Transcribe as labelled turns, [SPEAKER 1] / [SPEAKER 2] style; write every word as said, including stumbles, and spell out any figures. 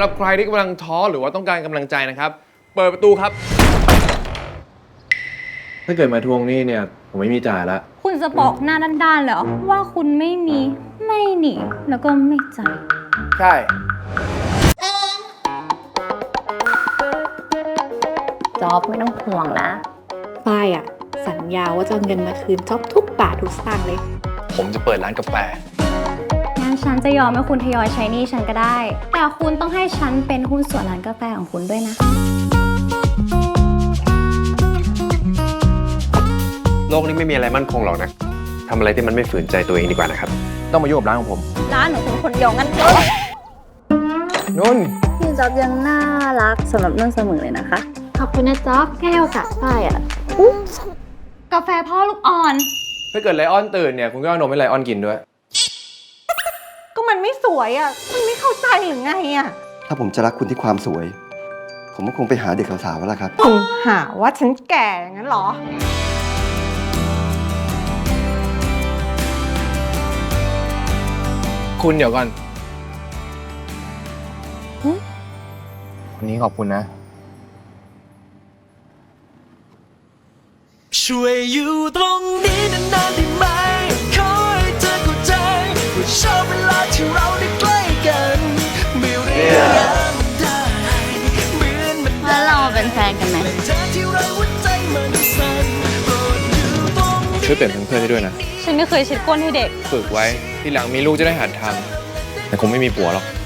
[SPEAKER 1] รับใครที่กำลังท้อหรือว่าต้องการกำลังใจนะครับเปิดประตูครับถ้าเกิดมาทวงหนี้เนี่ยผมไม่มีจ่ายละ
[SPEAKER 2] คุณจะบอกหน้าด้านๆเหรอว่าคุณไม่มีไม่หนีแล้วก็ไม่จ่าย
[SPEAKER 1] ใช่
[SPEAKER 2] จ๊อบไม่ต้องห่วงนะ
[SPEAKER 3] ฝ้ายอะสัญญาว่าจะเอาเงินมาคืนจ๊อบทุกบาททุกสตางค์เลย
[SPEAKER 1] ผมจะเปิดร้านกาแฟ
[SPEAKER 2] งั้นฉันจะยอมให้คุณทยอยใช้หนี้ฉันก็ได้แต่คุณต้องให้ฉันเป็นหุ้นส่วนร้านกาแฟของคุณด้วยนะ
[SPEAKER 4] โลกนี้ไม่มีอะไรมั่นคงหรอกนะทำอะไรที่มันไม่ฝืนใจตัวเองดีกว่านะครับ
[SPEAKER 1] ต้องมายุ่งกับร้านของผม
[SPEAKER 2] ร้านของคุณคนเดียวงั้น
[SPEAKER 1] นุ่น
[SPEAKER 2] พี่จ๊อบยังน่ารักสำหรับนุ่นเสมอเลยนะคะ
[SPEAKER 3] ขอบคุณนะจ๊อบให้โอกาสฝ้ายอะ
[SPEAKER 2] กาแฟพ่อลูกอ่อน
[SPEAKER 1] ถ้าเกิดไลออนตื่นเนี่ยคุณก็เอานมให้ไลออนกินด้วย
[SPEAKER 2] ก็มันไม่สวยอ่ะคุณไม่เข้าใจหรือไงอ่ะ
[SPEAKER 5] ถ้าผมจะรักคุณที่ความสวยผมก็คงไปหาเด็กสาวๆแล้วล่ะครับ
[SPEAKER 2] คุณหาว่าฉันแก่งั้นเหรอ
[SPEAKER 1] คุณเดี๋ยวก่อนวันนี้ขอบคุณนะ
[SPEAKER 6] ช่วยอยู่ตรงนี้นานๆได้ไหมขอให้เธอเข้าใจว่าชอบเวลาที่เราได้ใกล้กันไม่เรียกได้เหมือนมัน
[SPEAKER 2] แล้วเราเป็นแฟนกันไหม
[SPEAKER 6] เธอที่เราหัวใจมันสั่นโปรดอยู่ตรงนี้
[SPEAKER 1] ช่วยเปลี่ยนเป็นเพื่อนให้ด้วยนะ
[SPEAKER 2] ฉันไม่เคยเช็ดก้นให้เด็ก
[SPEAKER 1] ฝึกไว้ทีหลังมีลูกจะได้หัดทำแต่คงไม่มีผัวหรอก